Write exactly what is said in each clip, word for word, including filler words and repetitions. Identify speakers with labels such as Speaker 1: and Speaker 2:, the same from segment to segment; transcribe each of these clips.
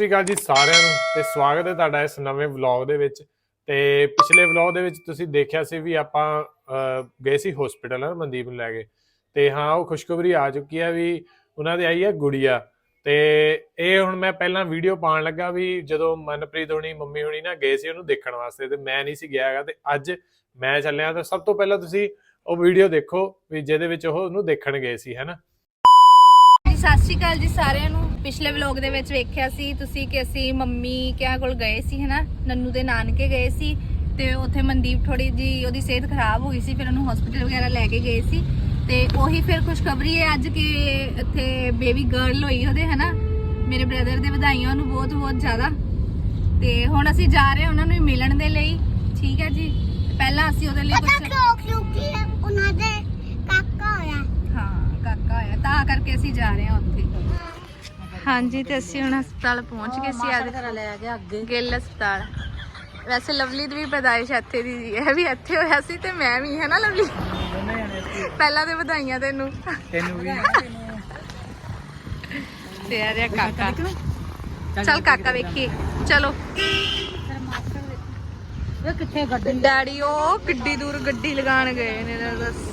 Speaker 1: ਸ਼੍ਰੀ ਅਕਾਲ ਜੀ ਸਾਰਿਆਂ ਨੂੰ ਤੇ ਸਵਾਗਤ ਹੈ ਤੁਹਾਡਾ ਇਸ ਨਵੇਂ ਵਲੌਗ ਦੇ ਵਿੱਚ। ਤੇ ਪਿਛਲੇ ਵਲੌਗ ਦੇ ਵਿੱਚ ਤੁਸੀਂ ਦੇਖਿਆ ਸੀ ਵੀ ਆਪਾਂ ਗਏ ਸੀ ਹਸਪੀਟਲ ਮਨਦੀਪ ਨੂੰ ਲੈ ਕੇ। ਤੇ ਹਾਂ ਉਹ ਖੁਸ਼ਖਬਰੀ ਆ ਚੁੱਕੀ ਹੈ ਵੀ ਉਹਨਾਂ ਦੀ ਆਈ ਹੈ ਗੁੜੀਆ। ਤੇ ਇਹ ਹੁਣ ਮੈਂ ਪਹਿਲਾਂ ਵੀਡੀਓ ਪਾਉਣ ਲੱਗਾ ਵੀ ਜਦੋਂ ਮਨਪ੍ਰੀਤ ਹੋਣੀ ਮੰਮੀ ਹੋਣੀ ਨਾ ਗਏ ਸੀ ਉਹਨੂੰ ਦੇਖਣ ਵਾਸਤੇ, ਤੇ ਮੈਂ ਨਹੀਂ ਸੀ ਗਿਆ ਹੈਗਾ, ਤੇ ਅੱਜ ਮੈਂ ਚੱਲਿਆ। ਤਾਂ ਸਭ ਤੋਂ ਪਹਿਲਾਂ ਤੁਸੀਂ ਉਹ ਵੀਡੀਓ ਦੇਖੋ ਵੀ ਜਿਹਦੇ ਵਿੱਚ ਉਹ ਉਹਨੂੰ ਦੇਖਣ ਗਏ ਸੀ, ਹੈ ਨਾ।
Speaker 2: ਸਤਿ ਸ਼੍ਰੀ ਅਕਾਲ ਜੀ ਸਾਰਿਆਂ ਨੂੰ। ਪਿਛਲੇ ਵਲੌਗ ਦੇ ਵਿੱਚ ਵੇਖਿਆ ਸੀ ਤੁਸੀਂ ਕਿ ਅਸੀਂ ਮੰਮੀ ਕਿਆ ਕੋਲ ਗਏ ਸੀ, ਹੈ ਨਾ, ਨੰਨੂ ਦੇ ਨਾਨਕੇ ਗਏ ਸੀ। ਤੇ ਉੱਥੇ ਮਨਦੀਪ ਥੋੜੀ ਜੀ ਉਹਦੀ ਸਿਹਤ ਖਰਾਬ ਹੋ ਗਈ ਸੀ, ਫਿਰ ਉਹਨੂੰ ਹਸਪੀਟਲ ਵਗੈਰਾ ਲੈ ਕੇ ਗਏ ਸੀ। ਤੇ ਉਹੀ ਫਿਰ ਖੁਸ਼ਖਬਰੀ ਹੈ ਅੱਜ ਕਿ ਇੱਥੇ ਬੇਬੀ ਗਰਲ ਹੋਈ ਉਹਦੇ, ਹੈ ਨਾ। ਮੇਰੇ ਬ੍ਰਦਰ ਦੇ ਵਧਾਈਆਂ ਉਹਨੂੰ ਬਹੁਤ ਬਹੁਤ ਜ਼ਿਆਦਾ। ਤੇ ਹੁਣ ਅਸੀਂ ਜਾ ਰਹੇ ਹਾਂ ਉਹਨਾਂ ਨੂੰ ਮਿਲਣ ਦੇ ਲਈ, ਠੀਕ ਹੈ ਜੀ। ਪਹਿਲਾਂ ਅਸੀਂ ਉਹਦੇ ਲਈ ਕੁਝ
Speaker 3: ਕਿਉਂਕਿ ਉਹਨਾਂ ਦੇ ਕਾਕਾ ਹੋਇਆ,
Speaker 2: ਹਾਂ ਕਾਕਾ ਹੋਇਆ, ਤਾਂ ਕਰਕੇ ਅਸੀਂ ਜਾ ਰਹੇ ਹਾਂ ਉੱਥੇ। ਹਾਂਜੀ, ਤੇ ਅਸੀਂ ਹੁਣ ਹਸਪਤਾਲ ਪਹੁੰਚ ਗਏ ਸੀ। ਅੱਜ ਗਿੱਲ ਹਸਪਤਾਲ। ਵੈਸੇ ਲਵਲੀ ਦੀ ਵੀ ਪੈਦਾਇਸ਼ ਇੱਥੇ ਦੀ ਜੀ, ਇਹ ਵੀ ਇੱਥੇ ਹੋਇਆ ਸੀ ਤੇ ਮੈਂ ਵੀ, ਹੈ ਨਾ ਲਵਲੀ। ਪਹਿਲਾਂ ਤੇ ਵਧਾਈਆਂ ਤੈਨੂੰ ਤੈਨੂੰ ਵੀ। ਤੇ ਆ ਰਿਹਾ ਕਾਕਾ। ਚੱਲ ਕਾਕਾ ਵੇਖੀਏ, ਚਲੋ।
Speaker 3: ਕਿੱਥੇ ਗੱਡੀ
Speaker 2: ਡੈਡੀ ਉਹ ਕਿੱਡੀ ਦੂਰ ਗੱਡੀ ਲਗਾਉਣ ਗਏ ਨੇ, ਦੱਸ।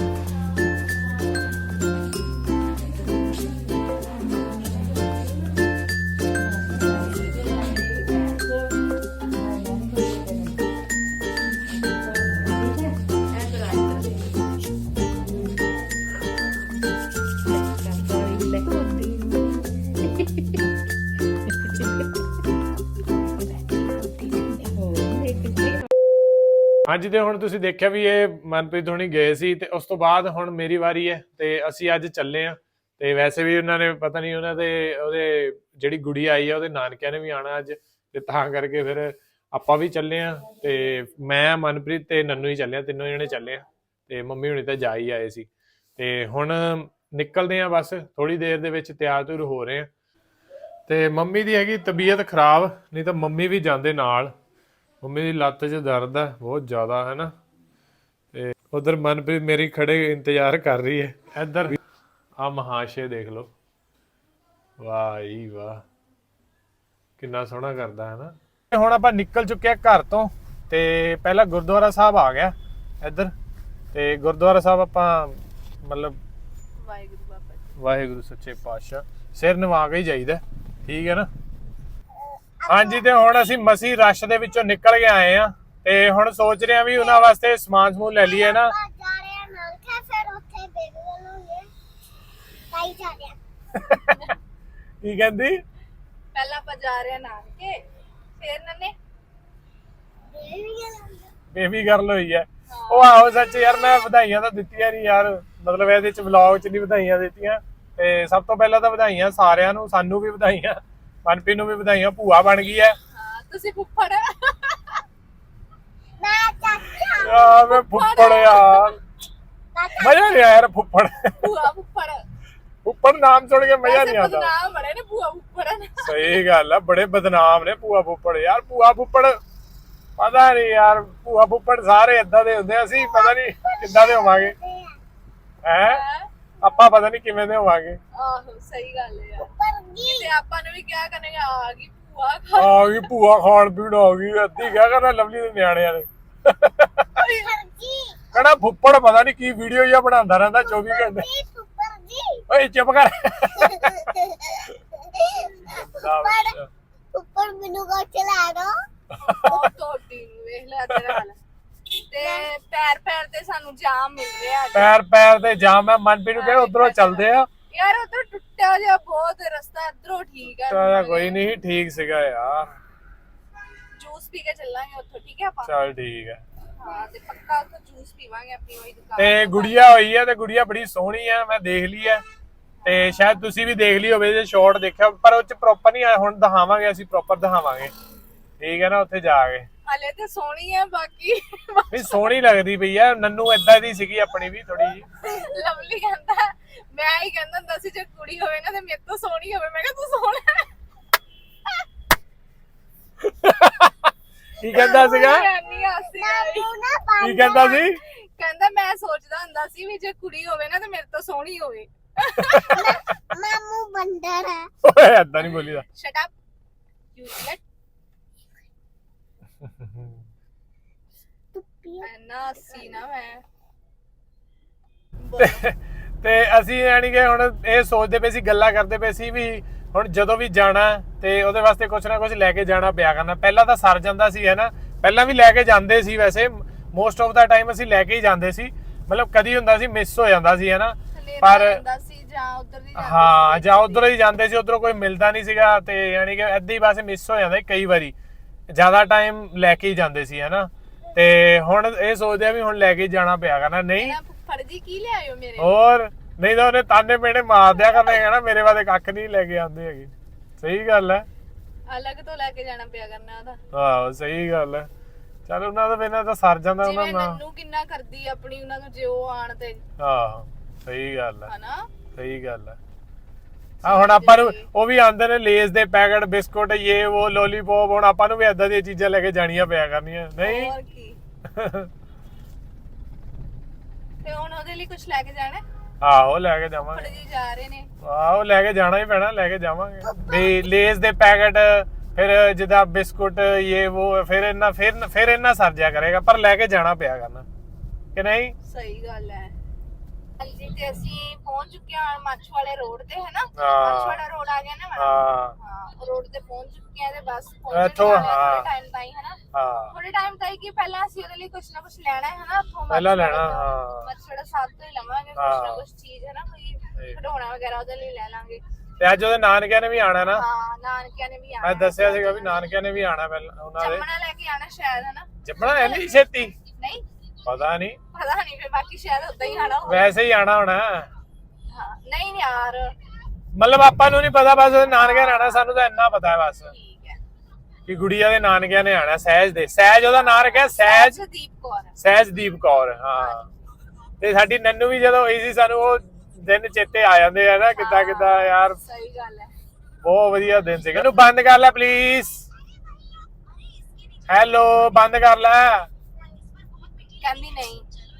Speaker 1: ਹਾਂਜੀ, ਤੇ ਹੁਣ ਤੁਸੀਂ ਦੇਖਿਆ ਵੀ ਇਹ ਮਨਪ੍ਰੀਤ ਹੋਣੀ ਗਏ ਸੀ, ਤੇ ਉਸ ਤੋਂ ਬਾਅਦ ਹੁਣ ਮੇਰੀ ਵਾਰੀ ਹੈ ਤੇ ਅਸੀਂ ਅੱਜ ਚੱਲੇ ਆ। ਤੇ ਵੈਸੇ ਵੀ ਉਹਨਾਂ ਨੇ ਪਤਾ ਨਹੀਂ ਉਹਨਾਂ ਦੇ ਉਹਦੇ ਜਿਹੜੀ ਗੁੜੀ ਆਈ ਆ ਉਹਦੇ ਨਾਨਕਿਆਂ ਨੇ ਵੀ ਆਉਣਾ ਅੱਜ, ਤੇ ਤਾਂ ਕਰਕੇ ਫਿਰ ਆਪਾਂ ਵੀ ਚੱਲੇ ਆ। ਤੇ ਮੈਂ ਮਨਪ੍ਰੀਤ ਤੇ ਨੰਨੂ ਹੀ ਚੱਲੇ ਆ, ਤਿੰਨੋਂ ਜਣੇ ਚੱਲੇ ਆ। ਤੇ ਮੰਮੀ ਹੁਣੀ ਤਾਂ ਜਾ ਹੀ ਆਏ ਸੀ। ਤੇ ਹੁਣ ਨਿਕਲਦੇ ਆ, ਬਸ ਥੋੜੀ ਦੇਰ ਦੇ ਵਿੱਚ ਤਿਆਰ ਤੁਰ ਹੋ ਰਹੇ ਆ। ਤੇ ਮੰਮੀ ਦੀ ਹੈਗੀ ਤਬੀਅਤ ਖਰਾਬ, ਨਹੀਂ ਤਾਂ ਮੰਮੀ ਵੀ ਜਾਂਦੇ ਨਾਲ। ਮੰਮੀ ਦੀ ਲੱਤ 'ਚ ਦਰਦ ਹੈ ਬਹੁਤ ਜ਼ਿਆਦਾ, ਹੈ ਨਾ। ਤੇ ਉਧਰ ਮਨਪ੍ਰੀਤ ਮੇਰੀ ਖੜੇ ਇੰਤਜ਼ਾਰ ਕਰ ਰਹੀ ਹੈ। ਇੱਧਰ ਆ ਮਹਾਸ਼ੇ ਦੇਖ ਲਓ, ਵਾਹ ਜੀ ਵਾਹ, ਕਿੰਨਾ ਸੋਹਣਾ ਕਰਦਾ, ਹੈ ਨਾ। ਹੁਣ ਆਪਾਂ ਨਿਕਲ ਚੁੱਕੇ ਆ ਘਰ ਤੋਂ, ਤੇ ਪਹਿਲਾਂ ਗੁਰਦੁਆਰਾ ਸਾਹਿਬ ਆ ਗਿਆ ਇੱਧਰ। ਤੇ ਗੁਰਦੁਆਰਾ ਸਾਹਿਬ ਆਪਾਂ ਮਤਲਬ
Speaker 2: ਵਾਹਿਗੁਰੂ ਬਾਬਾ ਜੀ,
Speaker 1: ਵਾਹਿਗੁਰੂ ਸੱਚੇ ਪਾਤਸ਼ਾਹ ਸਿਰ ਨਿਵਾ ਕੇ ਹੀ ਜਾਈਦਾ, ਠੀਕ ਹੈ ਨਾ। ਹਾਂਜੀ, ਤੇ ਹੁਣ ਅਸੀਂ ਮਸੀ ਰਸ਼ ਦੇ ਵਿੱਚੋਂ ਨਿਕਲ ਕੇ ਆਏ ਆ। ਤੇ ਹੁਣ ਸੋਚ ਰਹੇ ਆ ਵੀ ਉਹਨਾਂ ਵਾਸਤੇ ਸਮਾਨ ਸਮੂਨ ਲੈ ਲਈਏ ਨਾ।
Speaker 3: ਜਾ ਰਹੇ ਆ ਨਾਲ ਕੇ ਫਿਰ ਉੱਥੇ ਬੇਬੀ ਵੱਲੋਂ ਕਾਈ ਜਾ ਰਿਹਾ।
Speaker 1: ਕੀ ਕਹਿੰਦੀ?
Speaker 2: ਪਹਿਲਾਂ ਆਪਾਂ ਜਾ ਰਹੇ ਹਾਂ ਨਾਨਕੇ, ਫਿਰ ਨੰਨੇ
Speaker 1: ਬੇਬੀ ਗਰਲ ਹੋਈ ਹੈ ਉਹ। ਆਹੋ ਸੱਚ ਯਾਰ, ਮੈਂ ਵਧਾਈਆਂ ਤਾਂ ਦਿੱਤੀਆਂ ਨਹੀਂ ਯਾਰ, ਮਤਲਬ ਇਹਦੇ ਚ ਵਲੌਗ ਚ ਨਹੀਂ ਵਧਾਈਆਂ ਦਿੱਤੀਆਂ। ਤੇ ਸਭ ਤੋਂ ਪਹਿਲਾਂ ਤਾਂ ਵਧਾਈਆਂ ਸਾਰਿਆਂ ਨੂੰ, ਸਾਨੂੰ ਵੀ ਵਧਾਈਆਂ, ਮਨਪ੍ਰੀਤ ਨੂੰ ਵੀ ਵਧਾਈਆਂ, ਭੂਆ ਬਣ ਗਈ ਹੈ।
Speaker 2: ਹਾਂ, ਤੁਸੀਂ ਫੁੱਫੜ।
Speaker 3: ਮੈਂ ਚਾਚਾ
Speaker 1: ਯਾਰ ਮੈਂ ਫੁੱਫੜ ਯਾਰ, ਮਜ਼ਾ ਨਹੀਂ ਆਇਆ ਯਾਰ ਫੁੱਫੜ।
Speaker 2: ਭੂਆ ਫੁੱਫੜ,
Speaker 1: ਫੁੱਫੜ ਨਾਮ ਸੁਣ ਕੇ ਮਜ਼ਾ ਨਹੀਂ ਆਉਂਦਾ।
Speaker 2: ਬਦਨਾਮ ਬਣੇ ਨੇ ਭੂਆ ਫੁੱਫੜ।
Speaker 1: ਸਹੀ ਗੱਲ ਆ, ਬੜੇ ਬਦਨਾਮ ਨੇ ਭੂਆ ਫੁੱਫੜ ਯਾਰ। ਭੂਆ ਫੁੱਫੜ ਪਤਾ ਨਹੀਂ ਯਾਰ, ਭੂਆ ਫੁੱਫੜ ਸਾਰੇ ਏਦਾਂ ਦੇ ਹੁੰਦੇ, ਅਸੀਂ ਪਤਾ ਨਹੀਂ ਕਿੱਦਾਂ ਦੇ ਹੋਵਾਂਗੇ, ਹੈ ਆਪਾਂ ਪਤਾ ਨਹੀਂ ਕਿਵੇਂ ਦੇ ਹੋਵਾਂਗੇ।
Speaker 2: ਆਹੋ ਸਹੀ ਗੱਲ ਹੈ ਯਾਰ,
Speaker 3: ਪਰ ਜੀ
Speaker 2: ਤੇ ਆਪਾਂ ਨੂੰ ਵੀ ਕਿਹਾ ਕਰਨਗੇ ਆ ਗਈ ਭੂਆ
Speaker 1: ਆ ਗਈ ਭੂਆ, ਖਾਣ ਪੀਣ ਆ ਗਈ, ਅੱਧੀ ਕਿਆ ਕਰਨਾ ਲਵਲੀ ਦੇ ਨਿਆਣਿਆਂ ਨੇ।
Speaker 3: ਪਰ ਜੀ
Speaker 1: ਕਹਣਾ ਫੁੱਫੜ ਪਤਾ ਨਹੀਂ ਕੀ ਵੀਡੀਓ ਜਿਹਾ ਬਣਾਉਂਦਾ ਰਹਿੰਦਾ ਚੌਵੀ ਘੰਟੇ।
Speaker 3: ਪਰ ਜੀ
Speaker 1: ਓਏ ਚੁੱਪ ਕਰ।
Speaker 3: ਪਰ ਉੱਪਰ ਮੈਨੂੰ ਕੋ ਚਲਾ ਦੋ।
Speaker 2: ਉਹ ਟੋਟੀ ਨੂੰ ਵੇਖ ਲੈ ਤੇਰਾ ਹਾਲ। ਤੇ ਪੈਰ ਪੈਰ ਤੇ ਸਾਨੂੰ ਜਾਮ ਮਿਲ ਰਿਹਾ ਅੱਜ।
Speaker 1: ਪੈਰ ਪੈਰ ਤੇ ਜਾਮ ਹੈ। ਮਨਪ੍ਰੀਤ ਨੂੰ ਕਹਿੰਦੇ ਉਧਰੋਂ ਚੱਲਦੇ ਆ
Speaker 2: ਯਾਰ ਉਧਰ ਟੁੱਟਿਆ ਜਿਹਾ ਬਹੁਤ ਰਸਤਾ, ਇਧਰੋਂ ਠੀਕ ਹੈ।
Speaker 1: ਚਲ ਕੋਈ ਨਹੀਂ, ਠੀਕ ਸੀਗਾ ਯਾਰ।
Speaker 2: ਜੂਸ ਪੀ ਕੇ ਚੱਲਾਂਗੇ ਉੱਥੋਂ, ਠੀਕ ਹੈ ਆਪਾਂ।
Speaker 1: ਚਲ ਠੀਕ ਹੈ।
Speaker 2: ਹਾਂ, ਤੇ ਪੱਕਾ ਉੱਥੋਂ ਜੂਸ ਪੀਵਾਂਗੇ ਆਪਣੀ ਉਹੀ ਦੁਕਾਨ
Speaker 1: ਤੇ ਗੁੜੀਆ ਹੋਈ ਹੈ, ਤੇ ਗੁੜੀਆ ਬੜੀ ਸੋਹਣੀ ਹੈ, ਮੈਂ ਦੇਖ ਲਈ ਹੈ। ਤੇ ਸ਼ਾਇਦ ਤੁਸੀਂ ਵੀ ਦੇਖ ਲਈ ਹੋਵੇ ਜੇ ਸ਼ਾਰਟ ਦੇਖਿਆ, ਪਰ ਉਹ ਚ ਪ੍ਰੋਪਰ ਨਹੀਂ ਆਇਆ। ਹੁਣ ਦਿਖਾਵਾਂਗੇ, ਅਸੀਂ ਪ੍ਰੋਪਰ ਦਿਖਾਵਾਂਗੇ, ਠੀਕ ਹੈ ਨਾ, ਉੱਥੇ ਜਾ ਕੇ।
Speaker 2: ਹਲੇ ਤੇ ਸੋਹਣੀ ਹੈ, ਬਾਕੀ
Speaker 1: ਨਹੀਂ ਸੋਹਣੀ ਲੱਗਦੀ ਪਈ ਆ। ਨੰਨੂ ਏਦਾਂ ਦੀ ਸੀਗੀ ਆਪਣੀ ਵੀ ਥੋੜੀ ਜੀ।
Speaker 2: ਲਵਲੀ ਕਹਿੰਦਾ, ਮੈਂ ਹੀ ਕਹਿੰਦਾ ਹੁੰਦਾ ਸੀ ਜੇ ਕੁੜੀ ਹੋਵੇ ਨਾ ਤੇ ਮੇਰੇ ਤੋਂ ਸੋਹਣੀ ਹੋਵੇ। ਮੈਂ ਕਿਹਾ ਤੂੰ ਸੋਹਣਾ ਹੈ।
Speaker 1: ਕੀ ਕਹਿੰਦਾ ਸੀਗਾ? ਕੀ ਕਹਿੰਦਾ ਸੀ?
Speaker 2: ਕਹਿੰਦਾ ਮੈਂ ਸੋਚਦਾ ਹੁੰਦਾ ਸੀ ਵੀ ਜੇ ਕੁੜੀ ਹੋਵੇ ਨਾ ਤੇ ਮੇਰੇ ਤੋਂ ਸੋਹਣੀ ਹੋਵੇ।
Speaker 3: ਮਾਮੂ ਬੰਦਰ ਹੈ।
Speaker 1: ਓਏ ਏਦਾਂ ਨਹੀਂ ਬੋਲੀਦਾ।
Speaker 2: Shut up. ਕਿਊਟ ਨਾ ਸੀ ਨਾ ਮੈਂ
Speaker 1: ਤੇ ਅਸੀਂ ਯਾਨੀ ਕਿ ਹੁਣ ਇਹ ਸੋਚਦੇ ਪਏ ਸੀ, ਗੱਲਾਂ ਕਰਦੇ ਪਏ ਸੀ ਵੀ ਹੁਣ ਜਦੋਂ ਵੀ ਜਾਣਾ ਤੇ ਉਹਦੇ ਵਾਸਤੇ ਕੁਝ ਨਾ ਕੁਝ ਲੈ ਕੇ ਜਾਣਾ ਪਿਆ ਕਰਨਾ। ਪਹਿਲਾਂ ਤਾਂ ਸਰ ਜਾਂਦਾ ਸੀ ਹੈ ਨਾ, ਪਹਿਲਾਂ ਵੀ ਲੈ ਕੇ ਜਾਂਦੇ ਸੀ, ਵੈਸੇ ਮੋਸਟ ਆਫ ਦਾ ਟਾਈਮ ਅਸੀਂ ਲੈ ਕੇ ਹੀ ਜਾਂਦੇ ਸੀ, ਮਤਲਬ ਕਦੀ ਹੁੰਦਾ ਸੀ ਮਿਸ ਹੋ ਜਾਂਦਾ ਸੀ ਹੈ ਨਾ, ਪਰ
Speaker 2: ਜਾਂ ਉਧਰ ਦੀ
Speaker 1: ਹਾਂ ਜਾਂ ਉਧਰ ਹੀ ਜਾਂਦੇ ਸੀ, ਉਧਰੋਂ ਕੋਈ ਮਿਲਦਾ ਨਹੀਂ ਸੀਗਾ ਤੇ ਯਾਨੀ ਕਿ ਏਦਾਂ ਹੀ ਬਸ ਮਿਸ ਹੋ ਜਾਂਦਾ ਕਈ ਵਾਰੀ, ਜ਼ਿਆਦਾ ਟਾਈਮ ਲੈ ਕੇ ਹੀ ਜਾਂਦੇ ਸੀ ਹੈ ਨਾ। ਤੇ ਹੁਣ ਇਹ ਸੋਚਦੇ ਆ ਵੀ ਹੁਣ ਲੈ ਕੇ ਜਾਣਾ ਪਿਆ ਕਰਨਾ। ਨਹੀਂ
Speaker 2: ਫਰਜੀ ਕੀ ਲਿਆਇਓ ਮੇਰੇ
Speaker 1: ਹੋਰ ਨਹੀਂ ਤਾਂ ਉਹਨੇ ਤਾਨੇ ਮੇਣੇ ਮਾਰ ਦਿਆ ਕਰਨੇ ਹੈ ਨਾ, ਮੇਰੇ ਵਾਸਤੇ ਕੱਖ ਨਹੀਂ ਲੈ ਕੇ ਆਉਂਦੇ ਹੈਗੇ। ਸਹੀ ਗੱਲ ਹੈ,
Speaker 2: ਅਲੱਗ ਤੋਂ ਲੈ ਕੇ ਜਾਣਾ ਪਿਆ ਕਰਨਾ ਉਹਦਾ।
Speaker 1: ਆਹੋ ਸਹੀ ਗੱਲ ਹੈ। ਚਲ ਉਹਨਾਂ ਦਾ ਬਿਨਾਂ ਤਾਂ ਸਰ ਜਾਂਦਾ ਉਹਨਾਂ ਨਾਲ।
Speaker 2: ਨੰਨੂ ਕਿੰਨਾ ਕਰਦੀ ਆਪਣੀ ਉਹਨਾਂ ਨੂੰ ਜੇ ਉਹ ਆਣ ਤੇ।
Speaker 1: ਆਹੋ ਸਹੀ ਗੱਲ ਹੈ
Speaker 2: ਹਨਾ, ਸਹੀ
Speaker 1: ਗੱਲ ਹੈ। ਆ ਹੁਣ ਆਪਾਂ ਨੂੰ ਉਹ ਵੀ ਆਂਦੇ ਨੇ ਲੇਜ਼ ਦੇ ਪੈਕਟ, ਬਿਸਕੁਟ, ਇਹ ਉਹ ਲੋਲੀਪੌਪ, ਹੁਣ ਆਪਾਂ ਨੂੰ ਵੀ ਏਦਾਂ ਦੀਆਂ ਚੀਜ਼ਾਂ ਲੈ ਕੇ ਜਾਣੀਆਂ ਪਿਆ ਕਰਨੀਆਂ। ਨਹੀਂ
Speaker 2: ਹੋਰ ਕੀ। ਤੇ ਹੁਣ ਉਹਦੇ ਲਈ ਕੁਝ ਲੈ ਕੇ ਜਾਣਾ?
Speaker 1: ਆਹੋ ਲੈ ਕੇ ਜਾਵਾਂਗੇ।
Speaker 2: ਜੀ ਜਾ ਰਹੇ ਨੇ।
Speaker 1: ਆਹੋ ਲੈ ਕੇ ਜਾਣਾ ਹੀ ਪੈਣਾ, ਲੈ ਕੇ ਜਾਵਾਂਗੇ ਵੀ ਲੇਜ਼ ਦੇ ਪੈਕਟ, ਫਿਰ ਜਿੱਦਾਂ ਬਿਸਕੁਟ, ਇਹ ਉਹ, ਫਿਰ ਇਹਨਾਂ ਫਿਰ ਫਿਰ ਇਹਨਾਂ ਸਰ ਜਿਆ ਕਰੇਗਾ, ਪਰ ਲੈ ਕੇ ਜਾਣਾ ਪਿਆ ਕਰਨਾ ਕਿ ਨਹੀਂ।
Speaker 2: ਸਹੀ ਗੱਲ ਹੈ। ਹਾਂਜੀ ਤੇ ਅਸੀਂ ਪਹੁੰਚ ਚੁੱਕੇ ਹਾਂ ਮਾਛੂ ਵਾਲੇ ਰੋਡ ਤੇ, ਹੈ ਨਾ। ਮਾਛੂ ਵਾਲਾ ਰੋਡ ਆ ਗਿਆ ਨਾ ਮੈਡਮ। ਹਾਂ ਰੋਡ ਤੇ ਪਹੁੰਚ ਚੁੱਕੇ ਆ ਤੇ ਬਸ ਪਹੁੰਚਣ ਵਾਲੇ ਥੋੜੇ ਟਾਈਮ ਤਾਈਂ, ਹੈ ਨਾ। ਹਾਂ ਥੋੜੇ ਟਾਈਮ ਤਾਈਂ ਕਿ ਪਹਿਲਾਂ ਅਸੀਂ ਉਹਦੇ ਲਈ ਕੁਝ ਨਾ ਕੁਝ ਲੈਣਾ ਹੈ ਨਾ, ਉੱਥੋਂ
Speaker 1: ਪਹਿਲਾਂ ਲੈਣਾ। ਹਾਂ
Speaker 2: ਮੱਛੜਾ ਸਾਥ ਤੋਂ ਹੀ ਲਵਾਂਗੇ ਕੁਝ ਨਾ ਕੁਝ ਚੀਜ਼, ਹੈ ਨਾ, ਕੋਈ ਖਿਡੌਣਾ ਵਗੈਰਾ ਉਹਦੇ ਲਈ ਲੈ ਲਾਂਗੇ।
Speaker 1: ਤੇ ਅੱਜ ਉਹਦੇ ਨਾਨਕਿਆਂ ਨੇ ਵੀ ਆਣਾ ਨਾ।
Speaker 2: ਹਾਂ ਨਾਨਕਿਆਂ ਨੇ ਵੀ ਆਣਾ।
Speaker 1: ਮੈਂ ਦੱਸਿਆ ਸੀਗਾ ਵੀ ਨਾਨਕਿਆਂ ਨੇ ਵੀ ਆਣਾ ਪਹਿਲਾਂ ਉਹਨਾਂ ਦੇ।
Speaker 2: ਜੰਮਣਾ ਲੈ ਕੇ ਆਣਾ ਸ਼ਾਇਦ, ਹੈ ਨਾ।
Speaker 1: ਜੰਮਣਾ ਹੈ ਨਹੀਂ ਛੇਤੀ?
Speaker 2: ਨਹੀਂ
Speaker 1: ਪਤਾ ਨਹੀਂ,
Speaker 2: ਪਤਾ ਨਹੀਂ, ਫਿਰ ਬਾਕੀ ਸ਼ਾਇਦ ਉਦਾਂ ਹੀ ਆਣਾ ਹੋਵੇ।
Speaker 1: ਵੈਸੇ ਹੀ ਆਣਾ ਹੋਣਾ।
Speaker 2: ਹਾਂ ਨਹੀਂ ਯਾਰ
Speaker 1: ਮਤਲਬ ਆਪਾਂ ਨੂੰ ਨਹੀਂ ਪਤਾ, ਬਸ ਉਹਦੇ ਨਾਨਕਿਆਂ ਨੇ ਆਣਾ, ਸਾਨੂੰ ਤਾਂ ਇੰਨਾ ਪਤਾ ਹੈ ਬਸ
Speaker 2: ਠੀਕ ਹੈ
Speaker 1: ਕਿ ਗੁੜੀਆ ਦੇ ਨਾਨਕਿਆਂ ਨੇ ਆਣਾ। ਸਹਿਜ ਦੇ, ਸਹਿਜ ਉਹਦਾ ਨਾਂ ਰੱਖਿਆ, ਸਹਿਜਦੀਪ
Speaker 2: ਕੌਰ।
Speaker 1: ਸਹਿਜਦੀਪ ਕੌਰ। ਹਾਂ ਤੇ ਸਾਡੀ ਨੰਨੂ ਵੀ ਜਦੋਂ ਹੋਈ ਸੀ, ਸਾਨੂੰ ਉਹ ਦਿਨ ਚੇਤੇ ਆ ਜਾਂਦੇ ਆ ਨਾ, ਕਿੱਦਾਂ ਕਿੱਦਾਂ ਯਾਰ।
Speaker 2: ਸਹੀ ਗੱਲ ਹੈ,
Speaker 1: ਬਹੁਤ ਵਧੀਆ ਦਿਨ ਸੀਗਾ। ਇਹਨੂੰ ਬੰਦ ਕਰ ਲੈ ਪਲੀਜ਼। ਹੈਲੋ ਬੰਦ ਕਰ ਲੈ।
Speaker 2: ਕਹਿੰਦੀ ਨਹੀਂ।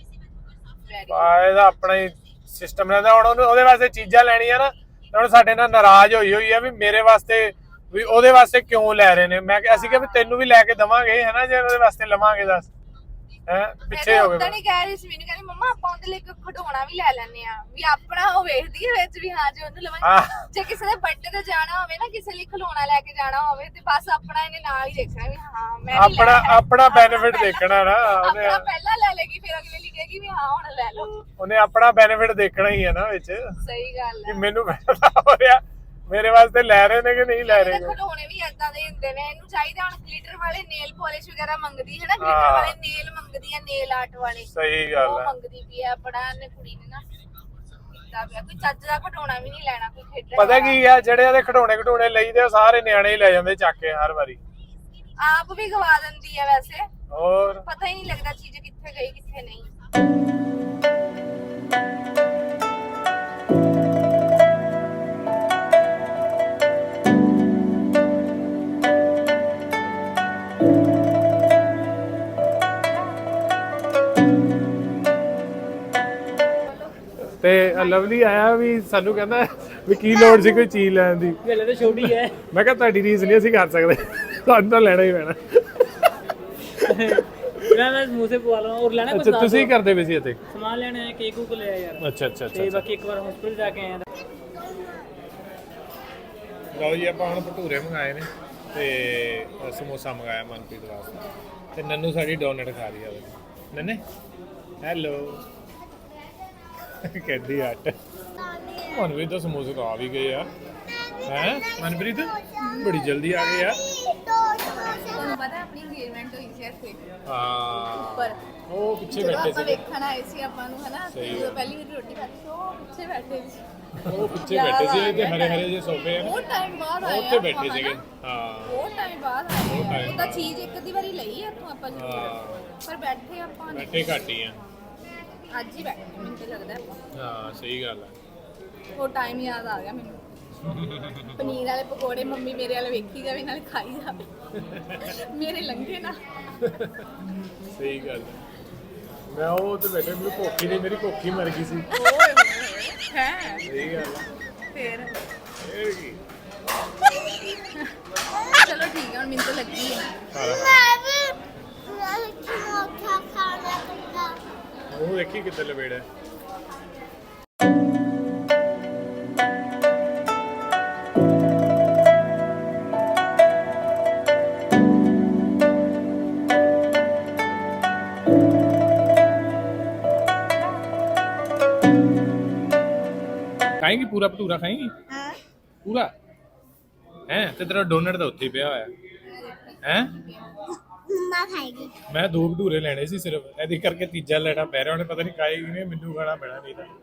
Speaker 1: ਇਹਦਾ ਆਪਣਾ ਹੀ ਸਿਸਟਮ ਰਹਿੰਦਾ। ਹੁਣ ਉਹਨੂੰ ਉਹਦੇ ਵਾਸਤੇ ਚੀਜ਼ਾਂ ਲੈਣੀਆਂ ਨਾ, ਹੁਣ ਸਾਡੇ ਨਾਲ ਨਾਰਾਜ਼ ਹੋਈ ਹੋਈ ਆ ਵੀ ਮੇਰੇ ਵਾਸਤੇ ਵੀ ਉਹਦੇ ਵਾਸਤੇ ਕਿਉਂ ਲੈ ਰਹੇ ਨੇ। ਮੈਂ ਕਿਹਾ ਅਸੀਂ ਕਿ ਵੀ ਤੈਨੂੰ ਵੀ ਲੈ ਕੇ ਦਵਾਂਗੇ, ਹਨਾ, ਜੇ ਉਹਦੇ ਵਾਸਤੇ ਲਵਾਂਗੇ ਦੱਸ। ਹੈ ਪਿੱਛੇ ਹੋ ਗਏ।
Speaker 2: ਪਤਾ ਨਹੀਂ ਕਹਿ ਰਹੀ ਸੀ ਮੈਨੂੰ, ਕਹਿੰਦੀ ਮੰਮਾ ਆਪਾਂ ਉਹਦੇ ਲਈ ਇੱਕ ਖਿਡੌਣਾ ਵੀ ਲੈ ਲੈਣੇ ਆ, ਵੀ ਆਪਣਾ ਉਹ ਵੇਖਦੀ ਹੈ ਵਿੱਚ ਵੀ ਹਾਂ ਜੇ ਉਹਨੂੰ ਲਵਾਂਗੇ। ਜੇ ਕਿਸੇ ਦੇ ਬਰਥਡੇ ਤੇ ਜਾਣਾ ਹੋਵੇ ਨਾ, ਕਿਸੇ ਲਈ ਖਿਡੌਣਾ ਲੈ ਕੇ ਜਾਣਾ ਹੋਵੇ ਤੇ ਬਸ ਆਪਣਾ ਇਹਨੇ ਨਾਲ ਹੀ ਦੇਖਣਾ ਵੀ ਹਾਂ ਮੈਂ
Speaker 1: ਆਪਣਾ ਆਪਣਾ ਬੈਨੀਫਿਟ ਦੇਖਣਾ ਨਾ ਉਹਨੇ।
Speaker 2: ਆਪਣਾ ਪਹਿਲਾਂ ਲੈ ਲੇਗੀ, ਫਿਰ ਅਗਲੇ ਲਈ ਕਹੇਗੀ ਵੀ ਹਾਂ ਹੁਣ ਲੈ ਲਓ।
Speaker 1: ਉਹਨੇ ਆਪਣਾ ਬੈਨੀਫਿਟ ਦੇਖਣਾ ਹੀ ਹੈ ਨਾ ਵਿੱਚ।
Speaker 2: ਸਹੀ ਗੱਲ ਹੈ।
Speaker 1: ਮੈਨੂੰ ਪਤਾ ਹੋ ਰਿਹਾ ਮੇਰੇ ਵਾਸਤੇ ਲੈ ਰਹੇ ਨੇ ਕਿ ਨਹੀਂ ਲੈ ਰਹੇ।
Speaker 2: ਖਿਡੌਣੇ ਵੀ ਏਦਾਂ ਦੇ ਹੁੰਦੇ ਨੇ। ਇਹਨੂੰ ਚਾਹੀਦਾ ਹੁਣ ਗਲਿਟਰ ਵਾਲੇ ਨੇਲ ਪਾਲਿਸ਼ ਵਗੈਰਾ ਮੰਗਦੀ ਹੈ ਨਾ, ਗਲਿਟਰ ਵਾਲੇ ਨੇਲ ਮੰਗਦੀ ਹੈ, ਨੇਲ ਆਰਟ ਵਾਲੇ।
Speaker 1: ਸਹੀ ਗੱਲ
Speaker 2: ਉਹ
Speaker 1: ਹੈ,
Speaker 2: ਮੰਗਦੀ ਵੀ ਹੈ ਬੜਾ। ਇਹਨੇ ਕੁੜੀ ਨੇ ਨਾ ਕੀਤਾ ਪਿਆ, ਕੋਈ ਚੱਜ ਦਾ ਖਿਡੌਣਾ ਵੀ ਨਹੀਂ ਲੈਣਾ, ਕੋਈ ਖੇਡਣ।
Speaker 1: ਪਤਾ ਕੀ ਆ, ਜਿਹੜੇ ਉਹਦੇ ਖਿਡੌਣੇ ਖਿਡੌਣੇ ਲਈਦੇ ਉਹ ਸਾਰੇ ਨਿਆਣੇ ਹੀ ਲੈ ਜਾਂਦੇ ਚੱਕ ਕੇ ਹਰ ਵਾਰੀ।
Speaker 2: ਆਪ ਵੀ ਗਵਾ ਦਿੰਦੀ ਹੈ ਵੈਸੇ,
Speaker 1: ਹੋਰ
Speaker 2: ਪਤਾ ਹੀ ਨਹੀਂ ਲੱਗਦਾ ਚੀਜ਼ ਕਿੱਥੇ ਗਈ ਕਿੱਥੇ ਨਹੀਂ।
Speaker 1: ਤੇ ਲਵਲੀ ਆਇਆ ਵੀ ਸਾਨੂੰ ਕਹਿੰਦਾ ਵੀ ਕੀ ਲੋੜ ਸੀ ਕੋਈ ਚੀਜ਼ ਲੈਣ ਦੀ।
Speaker 4: ਵੇਲੇ ਤਾਂ ਛੋਟੀ ਹੈ।
Speaker 1: ਮੈਂ ਕਿਹਾ ਤੁਹਾਡੀ ਰੀਸ ਨਹੀਂ ਅਸੀਂ ਕਰ ਸਕਦੇ, ਤੁਹਾਨੂੰ ਤਾਂ ਲੈਣਾ ਹੀ ਪੈਣਾ।
Speaker 4: ਮੈਂ ਮੈਂ ਸਮੋਸੇ ਪਵਾ ਲਵਾਂ ਔਰ ਲੈਣਾ ਕੁਝ।
Speaker 1: ਅੱਛਾ ਤੁਸੀਂ ਕਰਦੇ ਪਏ ਸੀ ਇੱਥੇ
Speaker 4: ਸਮਾਨ ਲੈਣਾ ਹੈ, ਕੇਕ ਕੁਕ ਲਿਆ ਯਾਰ।
Speaker 1: ਅੱਛਾ ਅੱਛਾ
Speaker 4: ਤੇ ਬਾਕੀ ਇੱਕ ਵਾਰ ਹਸਪੀਟਲ ਜਾ ਕੇ ਆਇਆ।
Speaker 1: ਲਓ ਜੀ ਆਪਾਂ ਹੁਣ ਭਟੂਰੇ ਮੰਗਾਏ ਨੇ ਤੇ ਸਮੋਸਾ ਮੰਗਾਇਆ ਮਨਪ੍ਰੀਤ ਵਾਸਤੇ, ਤੇ ਨੰਨੂ ਸਾਡੀ ਡੋਨਟ ਖਾ ਰਹੀ ਆ। ਨੰਨੇ ਹੈਲੋ ਕਹਿੰਦੀ ਹਟ। ਮਨਪ੍ਰੀਤ ਤਾਂ ਸਮੋਸੇ ਤਾਂ ਆ ਵੀ ਗਏ ਆ। ਹੈ ਮਨਪ੍ਰੀਤ ਬੜੀ ਜਲਦੀ ਆ ਗਏ ਆ।
Speaker 2: ਤੁਹਾਨੂੰ ਪਤਾ ਆਪਣੀ ਇੰਗੇਜਮੈਂਟ ਹੋਈ ਸੀ ਇੱਥੇ
Speaker 1: ਹਾਂ
Speaker 2: ਪਰ
Speaker 1: ਉਹ ਪਿੱਛੇ
Speaker 2: ਜਦੋਂ
Speaker 1: ਬੈਠੇ
Speaker 2: ਆਪਾਂ
Speaker 1: ਸੀ।
Speaker 2: ਵੇਖਣ ਆਏ ਸੀ ਆਪਾਂ ਨੂੰ, ਹਨਾ, ਜਦੋਂ ਪਹਿਲੀ ਵਾਰ ਰੋਟੀ ਖਾਧੀ ਸੀ ਉਹ ਪਿੱਛੇ ਬੈਠੇ ਸੀ।
Speaker 1: ਉਹ ਪਿੱਛੇ ਬੈਠੇ ਸੀ ਤੇ ਹਰੇ ਹਰੇ ਜਿਹੇ ਸੋਫੇ ਆ,
Speaker 2: ਬਹੁਤ ਟਾਈਮ ਬਾਅਦ ਆਏ
Speaker 1: ਉੱਥੇ ਬੈਠੇ ਸੀਗੇ। ਹਾਂ
Speaker 2: ਬਹੁਤ ਟਾਈਮ ਬਾਅਦ ਆਏ। ਉਹ ਤਾਂ ਚੀਜ਼ ਇੱਕ ਅੱਧੀ ਵਾਰੀ ਲਈ ਆ ਇੱਥੋਂ ਆਪਾਂ ਜ਼ਰੂਰ, ਪਰ ਬੈਠੇ ਆਪਾਂ ਨੇ
Speaker 1: ਬੈਠੇ ਘੱਟ ਹੀ ਆ।
Speaker 2: ਅੱਜ ਹੀ ਬੈਠੇ ਮੈਨੂੰ ਤਾਂ ਲੱਗਦਾ ਆਪਾਂ।
Speaker 1: ਹਾਂ ਸਹੀ ਗੱਲ ਹੈ।
Speaker 2: ਉਹ ਟਾਈਮ ਯਾਦ ਆ ਗਿਆ ਮੈਨੂੰ। ਪਨੀਰ ਵਾਲੇ ਪਕੌੜੇ ਮੰਮੀ ਮੇਰੇ ਵਾਲੇ ਵੇਖੀ ਜਾਵੇ ਨਾਲੇ ਖਾਈ ਜਾਵੇ, ਮੇਰੇ ਲੰਘੇ ਨਾ।
Speaker 1: ਸਹੀ ਗੱਲ ਹੈ। ਮੈਂ ਉਹ ਤੇ ਬੈਠੇ, ਮੈਨੂੰ ਭੁੱਖ ਹੀ ਨਹੀਂ, ਮੇਰੀ ਭੁੱਖ ਹੀ ਮਰ ਗਈ ਸੀ।
Speaker 2: ਹੈ
Speaker 1: ਸਹੀ ਗੱਲ ਹੈ।
Speaker 2: ਫੇਰ
Speaker 1: ਇਹ ਕੀ
Speaker 2: ਚਲੋ ਨਾਲ ਮੈਨੂੰ ਤਾਂ ਲੱਗੀ ਹੈ
Speaker 3: ਮੈਂ ਵੀ ਮੈਂ ਮੋਠਾ ਖਾਣਾ ਕੱਟਾ
Speaker 1: ਉਹ ਦੇਖੀ ਕਿੱਥੇ ਲਵੇੜਾ ਖਾਏਂਗੀ ਪੂਰਾ ਭਟੂਰਾ ਖਾਏਂਗੀ
Speaker 3: ਹਾਂ
Speaker 1: ਪੂਰਾ ਹੈ ਤੇ ਤੇਰਾ ਡੋਨਟ ਤਾਂ ਉੱਥੇ ਹੀ ਪਿਆ ਹੋਇਆ ਹੈ
Speaker 3: ਮੰਮਾ ਖਾਏਗੀ
Speaker 1: ਮੈਂ ਦੋ ਭਟੂਰੇ ਲੈਣੇ ਸੀ ਸਿਰਫ ਇਹਦੇ ਕਰਕੇ ਤੀਜਾ ਲੈਣਾ ਪੈ ਰਿਹਾ ਉਹਨੇ ਪਤਾ ਨਹੀਂ ਖਾਏਗੀ ਨਹੀਂ ਮੈਨੂੰ ਖਾਣਾ ਪੈਣਾ ਨਹੀਂ ਤਾਂ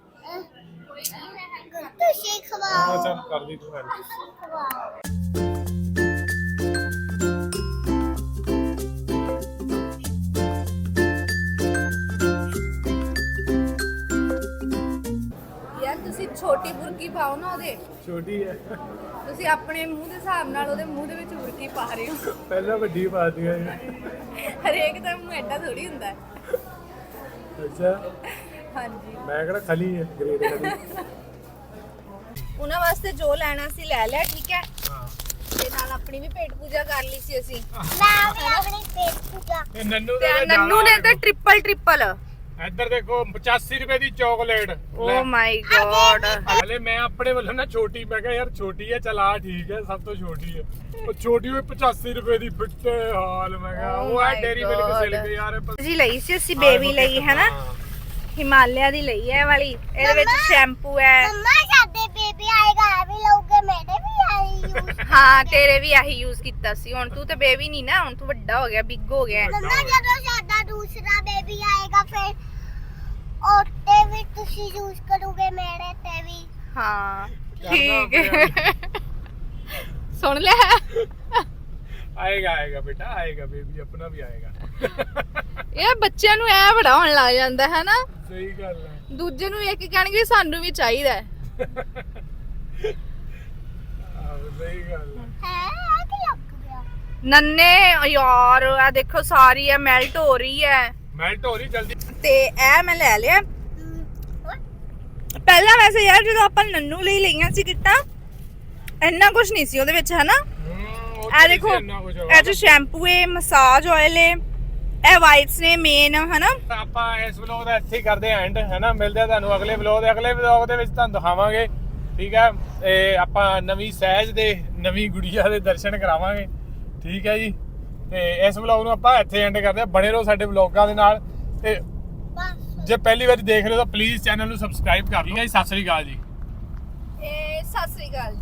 Speaker 3: ਤੁਸੀਂ ਖਵਾਓ
Speaker 1: ਹਾਂ ਚੱਲ ਕਰ ਲਈ ਤੂੰ ਗੱਲ
Speaker 3: ਖਵਾਓ
Speaker 2: ਯਾਰ ਤੁਸੀਂ ਛੋਟੀ ਬੁਰਕੀ ਪਾਓ ਨਾ ਉਹਦੇ
Speaker 1: ਛੋਟੀ ਹੈ
Speaker 2: ਤੁਸੀਂ ਆਪਣੇ ਮੂੰਹ ਦੇ ਹਿਸਾਬ ਨਾਲ ਉਹਦੇ ਮੂੰਹ ਦੇ ਵਿੱਚ ਬੁਰਕੀ ਪਾ ਰਹੇ ਹੋ
Speaker 1: ਪਹਿਲਾਂ ਵੱਡੀ ਪਾ ਦਿਆ
Speaker 2: ਹਰੇਕ ਦਾ ਮੂੰਹ ਐਡਾ ਥੋੜੀ ਹੁੰਦਾ ਹੈ।
Speaker 1: ਅੱਛਾ
Speaker 2: ਹਾਂਜੀ
Speaker 1: ਮੈਂ ਕਿਹੜਾ ਖਲੀ ਹੈ ਗ੍ਰੇਡ ਖਲੀ
Speaker 2: ਉਹਨਾਂ ਵਾਸਤੇ ਜੋ ਲੈਣਾ ਸੀ ਲੈ ਲਿਆ ਠੀਕ ਹੈ
Speaker 1: ਹਾਂ
Speaker 2: ਤੇ ਨਾਲ ਆਪਣੀ ਵੀ ਪੇਟ ਪੂਜਾ ਕਰ ਲਈ ਸੀ ਅਸੀਂ
Speaker 3: ਮੈਂ ਵੀ ਆਪਣੀ ਪੇਟ ਪੂਜਾ
Speaker 1: ਇਹ ਨੰਨੂ
Speaker 2: ਤੇ
Speaker 1: ਦਾ
Speaker 2: ਨੰਨੂ ਨੇ ਤਾਂ ਟ੍ਰਿਪਲ ਟ੍ਰਿਪਲ
Speaker 1: ਇੱਧਰ ਦੇਖੋ ਪਚਾਸੀ ਰੁਪਏ ਦੀ ਚਾਕਲੇਟ
Speaker 2: ਓ ਮਾਈ ਗॉड
Speaker 1: ਹਲੇ ਮੈਂ ਆਪਣੇ ਵੱਲੋਂ ਨਾ ਛੋਟੀ ਮੈਂ ਕਿਹਾ ਯਾਰ ਛੋਟੀ ਹੈ ਚਲ ਆ ਠੀਕ ਹੈ ਸਭ ਤੋਂ ਛੋਟੀ ਹੈ ਉਹ ਛੋਟੀ ਹੋਈ ਪਚਾਸੀ ਰੁਪਏ ਦੀ ਫਿੱਟੇ ਹਾਲ ਮੈਂ ਕਿਹਾ
Speaker 2: Oh
Speaker 1: ਉਹ ਹੈ
Speaker 2: my
Speaker 1: dairy milk
Speaker 2: God.
Speaker 1: Silk ਯਾਰ ਇਹ ਪ-
Speaker 2: ਜੀ ਲਈ ਸੀ ਅਸੀਂ ਬੇਬੀ ਲਈ ਹੈ ਨਾ
Speaker 1: ਹਾਂ।
Speaker 2: ਹਿਮਾਲਿਆ ਦੀ ਲਈ ਹੈ ਇਹ ਵਾਲੀ ਇਹਦੇ ਵਿੱਚ
Speaker 3: ਮੰਮਾ।
Speaker 2: ਸ਼ੈਂਪੂ ਹੈ
Speaker 3: ਮੰਮਾ ਸਾਡੇ ਬੇਬੀ ਆਏਗਾ ਇਹ ਵੀ ਲੋਗੇ ਮੇਰੇ ਵੀ ਆਈ ਯੂਜ਼
Speaker 2: ਹਾਂ ਤੇਰੇ ਵੀ ਆਹੀ ਯੂਜ਼ ਕੀਤਾ ਸੀ ਹੁਣ ਤੂੰ ਤੇ ਬੇਬੀ ਨਹੀਂ ਨਾ ਹੁਣ ਤੂੰ ਵੱਡਾ ਹੋ ਗਿਆ ਬਿੱਗ ਹੋ ਗਿਆ
Speaker 3: ਮੰਮਾ ਜਦੋਂ ਸਾਡਾ ਦੂਸਰਾ ਬੇਬੀ ਆਏਗਾ ਫਿਰ ਉਹਤੇ ਵੀ ਤੁਸੀਂ ਯੂਜ਼ ਕਰੋਗੇ ਮੇਰੇ ਤੇ ਵੀ
Speaker 2: ਹਾਂ
Speaker 1: ਕਰਨਾ
Speaker 2: ਠੀਕ ਹੈ ਸੁਣ ਲਿਆ
Speaker 1: ਆਏਗਾ ਆਏਗਾ ਬੇਟਾ ਆਏਗਾ ਬੇਬੀ ਆਪਣਾ ਵੀ ਆਏਗਾ
Speaker 2: ਇਹ ਬੱਚਿਆਂ ਨੂੰ ਐ ਬੜਾ ਹੋਣ ਲੱਗ ਜਾਂਦਾ ਹੈ ਨਾ
Speaker 1: ਸਹੀ ਗੱਲ ਹੈ
Speaker 2: ਦੂਜੇ ਨੂੰ ਵੇਖ ਕੇ ਕਹਿਣਗੇ ਸਾਨੂੰ ਵੀ ਚਾਹੀਦਾ ਹੈ
Speaker 1: ਆਹੋ ਸਹੀ ਗੱਲ ਹੈ
Speaker 3: ਹੈ ਆ ਕੀ ਲੱਗ ਗਿਆ
Speaker 2: ਨੰਨੇ ਯਾਰ ਆ ਦੇਖੋ ਸਾਰੀ ਐ ਮੈਲਟ ਹੋ ਰਹੀ ਹੈ
Speaker 1: ਮੈਲਟ ਹੋ ਰਹੀ ਜਲਦੀ
Speaker 2: ਤੇ ਇਹ ਮੈਂ ਲੈ ਲਿਆ ਪਹਿਲਾਂ ਵੈਸੇ ਯਾਰ ਜਦੋਂ ਆਪਾਂ ਨੰਨੂ ਲਈ ਲਈਆਂ ਸੀ ਕਿੱਟਾਂ ਇੰਨਾ ਕੁਝ ਨਹੀਂ ਸੀ ਉਹਦੇ ਵਿੱਚ ਹੈ ਨਾ ਇਹ ਦੇਖੋ ਇਹ ਚ ਸ਼ੈਂਪੂ ਹੈ ਮਸਾਜ ਆਇਲ ਹੈ ਇਹ ਵਾਈਟਸ ਨੇ ਮੇਨ ਹੈ ਨਾ
Speaker 1: ਆਪਾਂ ਇਸ ਵਲੌਗ ਦਾ ਇੱਥੇ ਹੀ ਕਰਦੇ ਆਂ ਐਂਡ ਹੈ ਨਾ ਮਿਲਦੇ ਆ ਤੁਹਾਨੂੰ ਅਗਲੇ ਵਲੌਗ ਦੇ ਅਗਲੇ ਵਲੌਗ ਦੇ ਵਿੱਚ ਤੁਹਾਨੂੰ ਦਿਖਾਵਾਂਗੇ ਠੀਕ ਹੈ ਇਹ ਆਪਾਂ ਨਵੀਂ ਸਹਿਜ ਦੇ ਨਵੀਂ ਗੁੜੀਆ ਦੇ ਦਰਸ਼ਨ ਕਰਾਵਾਂਗੇ ਠੀਕ ਹੈ ਜੀ ਤੇ ਇਸ ਵਲੌਗ ਨੂੰ ਆਪਾਂ ਇੱਥੇ ਐਂਡ ਕਰਦੇ ਆ ਬਣੇ ਰਹੋ ਸਾਡੇ ਵਲੌਗਾਂ ਦੇ ਨਾਲ ਤੇ
Speaker 3: ਬਸ
Speaker 1: ਜੇ ਪਹਿਲੀ ਵਾਰ ਦੇਖ ਰਹੇ ਹੋ ਤਾਂ ਪਲੀਜ਼ ਚੈਨਲ ਨੂੰ ਸਬਸਕ੍ਰਾਈਬ ਕਰ ਲਓ ਜੀ ਸਤਿ ਸ੍ਰੀ ਅਕਾਲ ਜੀ
Speaker 2: ਇਹ ਸਤਿ ਸ੍ਰੀ ਅਕਾਲ